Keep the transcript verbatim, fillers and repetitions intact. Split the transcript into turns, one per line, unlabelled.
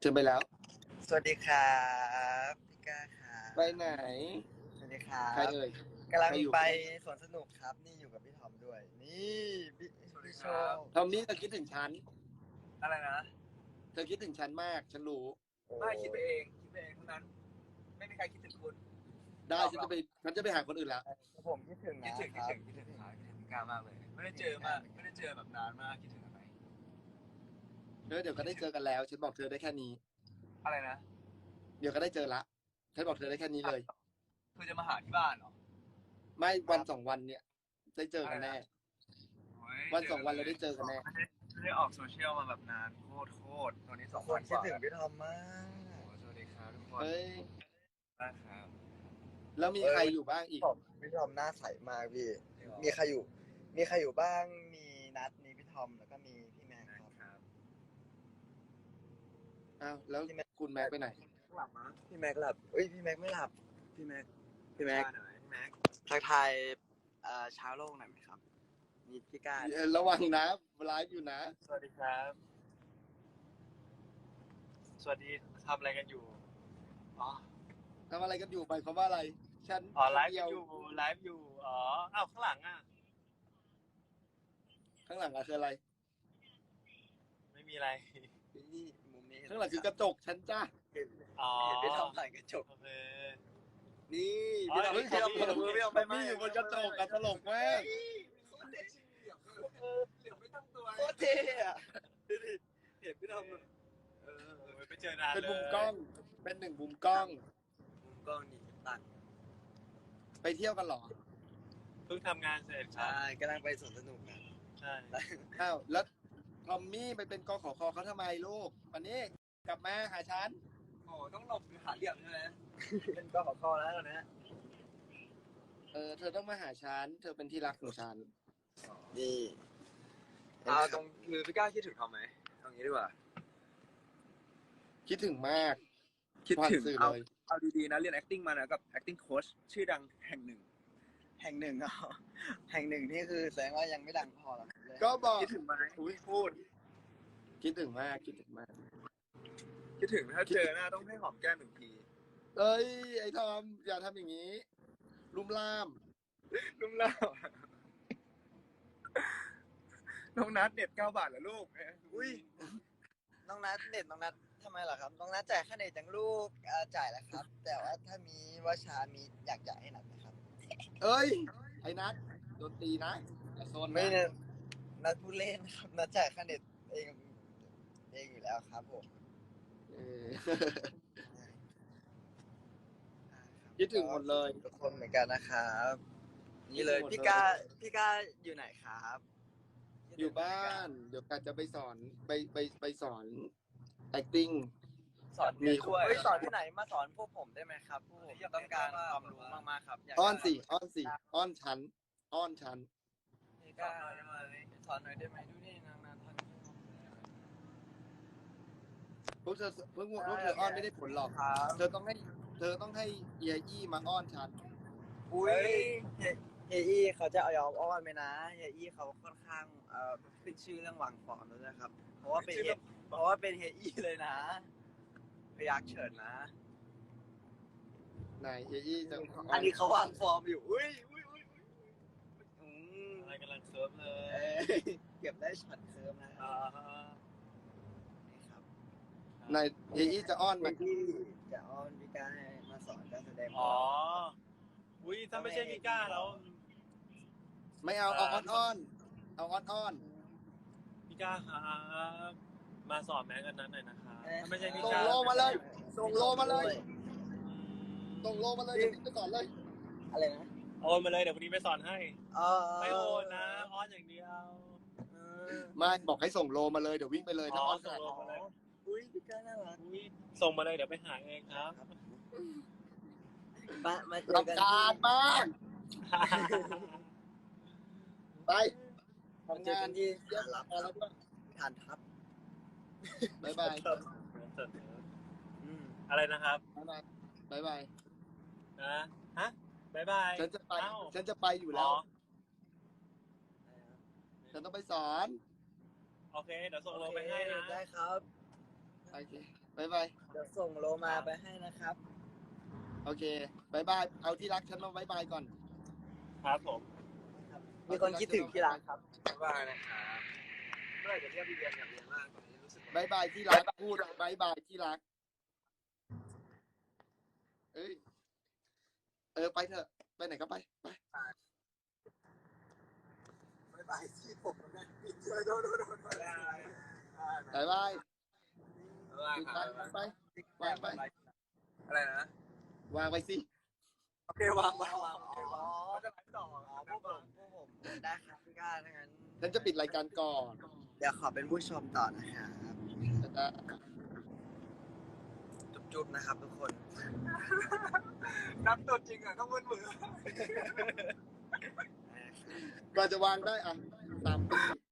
ชิญไปแล้ว
สวัสดีครับพี่ก้าครับ
ไปไหน
สวัสดีครั
ใคร
บ
เอ่ย
กำลัง
ใครอยู่
ไปสวนสนุกครับนี่อยู่กับพี่ทอมด้วยนี่พี่พี่โชว์
ทอมมี่เธอคิดถึงฉัน
อะไรนะ
เธอคิดถึงฉันมากฉันรู้
ไม่คิดไปเองคิดไปเองเท่านั้นไม่มีใครคิดถึงคุณ
ได้ฉันจะไปฉันจะไปหาคนอื่นแล้ว
ผมคิดถึงนะ
คิดถึง
ค
คิด
รับ
ถึงคิดถึงครับคิดถึงพี่ก้ามากเลย ไม่ได้เจอมากไม่ได้เจอแบบนานมากคิดถึงอะไร
เธอเดี๋ยวก็ได้เจอกันแล้วฉันบอกเธอได้แค่นี้
อะไรนะ
เดี๋ยวก็ได้เจอละฉันบอกเธอได้แค่นี้เลย
เธอจะมาหาที่บ้านเหรอ
ไม่วันสองวันเนี่ยได้เจอกันแน่
โอ้ย
วันสองวันเราได้เจอกันแน่
ไม่ได้ไม่ได้ออกโซเชียลมาแบบนานโคตรโคตรตอนนี้สอง
ค
วัน นก
คิด
ว่า
ถึงพี่ทอมมาก
โอ้โหสวัสดีครับทุกคน
เฮ้ย
นะครับ
แล้วมีใครอยู่บ้างอีก
ผมพี่ทอมหน้าใสมากพี่มีใครอยู่ มีใครอยู่บ้างมีนัทมีพี่ทอมแล้วก็มีพี่แม็กครับ
ครับ
อ้าวแล้วคุณแม็กไปไหน
หลับมั้ย
พี่แม็กหลับเอ้ยพี่แม็กไม่หลับพี่แม็กพี่แม็ก
หน่อยพี่แม็ก
ทักทายเอ่อเช้าโลกหน่อยไหมครับมีพี่ก้า
เอ่อระวังนะไลฟ์อยู่นะ
สวัสดีครับ สวัสดีทำอะไรกันอยู่อ๋อ
ทำอะไรกันอยู่หมายความว่าอะไร ฉัน
อ๋อไลฟ์
เดียว
อยู่ไลฟ์อยู่อ๋ออ้าวข้างหลังอ่ะ
ข้างหลังอะคืออะไร
ไม่มีอะไร
นี่มุมนี้
ข้างหลังคือกระจกฉันจ้า
เห็น
อ๋อ
เห็นพี่ทอมผ่านกระจก
โอเค
นี่
อ๋อ
พี่ทอม
เฮ้ย
พี่ทอม
พี่
พี่
ท
ท
อ
อ
ม
มไป
พี่อยู่บนกระจกอะตลกมาก
เหลือไม่ตั้งตัว
โคตรเท่อะดูดิเห็นพี่ทอมแบบเออ
เออไปเจอนาน
เป็น
เลย
มุมกล้อง เป็นหนึ่งมุมกล้อง
มุมกล้องนี่ตัด
ไปเที่ยวกันเหรอ
เพิ่งทำงานเสร็จครั
ใช่
บ
กำลังไปสวนสนุกนะ
ใช่
อ้าว แล้วทอมมี่ไปเป็นกขคเขาทำไมลูก วันนี้กลับมาหาฉัน
โอ้ต้องหลบหรือหาเหลี่ยมใช่ไหม
เป็นก็ขอคอแล้วนะ
เออ เธอต้องมาหาฉัน เธอเป็นที่รักของฉัน
นี่
อ่าตรงคือพี่ก้าคิดถึงทอมไหมเอางี้ดีกว่า
คิดถึงมาก
คิดถึง
ผ่านสื่อ
เอา
เลย
เอาดีๆนะเรียน acting มานะกับ acting coach ชื่อดังแห่งหนึ่ง
แห่งหนึ่งอ่ะแห่งหนึ่งนี่คือแสดงว่ายังไม่ดังพอหรอกเลย
ก็บอก
คิดถึงไหม
อุ้ยพูด คิดถึงมาก คิดถึงมาก
คิดถึงถ้าเจอหน้าต้องให้หอมแก้มหนึ่งที
เอ้ย ไอ้ทอม อย่าทำอย่างนี้ ลุ่มล่าม
นุ่มเล่าน้องนัดเน็ตเก้าบาทเหรอลูก
อุ้ยน้องนัทเน็ตน้องนัททำไมล่ะครับน้องนัทจ่ายค่าเน็ตจังลูกเอ่อจ่ายแล้วครับ แต่ว่าถ้ามีว่าชามีอยากจ่ายให้นัทไหมครับ
เอ้ย ไอ้นัทโดนตีนะอย่าโซน
ไม่
นะ
เนี่ยนัดพูดเล่นครับนัดจ่ายค่าเน็ตเองเองอยู่แล้วครับผม
เออ คิดถึงหมดเลย
ทุกคนเหมือนกันนะครับนี่เลย
คิดถึงหมดเลย
พี่ก้าพี่ก้าอยู่ไหนครับ
อยู่บ้าน เดี๋ยวกันจะไปสอน ไปไปไปสอน acting
สอน
มี
ด้วยเฮ้ยสอนที่ไหนมาสอนพวกผมได้ไหมครับพวกผมต้องการความรู้มากๆครับยาก
อ้อนสิ อ้อนสิ อ้อนฉัน อ้อนฉัน
พี่ก้าสอนหน่อยได้ไหมดูนี่นางนานทัน
พวกเธอพวกพวกเธออ้อนไม่ได้ผลหรอก
ครับ
เธอต้องให้ เธอต้องให้เอียอี้มาอ้อนฉัน
อุ้ยเฮียเฮียอี้เขาจะเอายอมอ้อนไหมนะเฮียอี้เขาค่อนข้างเอ่อขึ้นชื่อเรื่องวางฟอร์มแล้วนะครับ เพราะว่าเป็นเฮียเพราะว่าเป็นเฮียอี้เลยนะพยักเฉิดนะ
ไหนเอียอี้จะ
อันนี้เขาวางฟอร์มอยู่อุ้ยอุ้ยอุ้ยอุ้ยอืม
อะไรกำลังเซิร์ฟเล
เอ้
ย
ยเก็บได้ช็อตเคิร์มนะ
อ่า
นี่ครับ
ไหนเอียอี้จะอ้อน
เฮี
มั
ย
น
อี้จะอ้อนพี่ก้าให้มาสอนการแสดง
อ๋อ อุ้ยถ้าไม่ใช่พี่ก้าแล้ว
ไม่เอา เอาอ้อนอ้อนเอาอ้อนอ้อน
พี่ก้าครับมาสอนแม็กกันนั้นหน่อยนะครับถ้าไม่ใช่พี่
ส่ง
ก้า
โลมาเลย ส่งโลมาเลย
อืม
ส่งโลมาเลยเดี๋ยวพี่ไปสอนเลย
อะไรนะ
โอนมาเลยเดี๋ยววันนี้ไปสอนให้
เออ
ไม่โอนนะอ้อนอย่างเดียว
เออ
ไม่บอกให้ส่งโลมาเลย เดี๋ยววิ่งไปเลยถ้าอ้อนข
ส่ง
นาด
โล
นั้น
มาเลย
อุ้ยพี่ก้าน่ารัก
อุ้ยส่งมาเลยเดี๋ยวไปหาเองครับ
มามาเจอกัน
รำคาญมาก ไป
มา
ทำ
เจอง
า
กัน นที่
เยอะ
รับ
พอแล้วด้วย
ฐานทัพ
บ๊ายบาย
อืม
อะไรนะครับ
บ๊ายบายบ๊ายบาย
นะฮะบายบาย
ฉันจะไป
เอ้า
ฉันจะไปอยู่แล้ว
อ๋อ
ฉันต้องไปสอน
โอเค เดี๋ยวส่งโลไปให้นะ
ได้ครับ
เอโอเคบายบาย
เดี๋ยวส่งโลมาไปให้นะครับ
โอเคบายบายเอาที่รักฉันมาบายบายก่อน
ครับผม
มีคนคิดถึงที่ร้านครับ
บ๊ายบายนะครับเมื่อไหร่จะเรียกพี่เรียนอยากเรียนมากตอนนี้รู้สึกว่า
บายบายที่รักพูดบายบายที่รักเอ้ยเออไปเถอะไปไหนก็ไปไป
บ๊ายบายที่ผมนะโดนโดนโดนโดน
บายบาย
บ๊ายบาย
ไป
ครับ
ไปวางไป
อะไรนะ
วางไปสิ
โอเควางวางวาง
อ๋อ
เขาจะไลฟ์ต่อ
อ๋อพวกผมพวกผมได้ครับพี่ก้าถ้างั้น
ฉันจะปิดรายการก่อน
เดี๋ยวขอเป็นผู้ชมต่อนะครับ
นะ
จุ๊บๆนะครับทุกคน
นับตัวจริงอ่ะต้องมือมือ
ก่อนจะวางได้อ่ะสามปี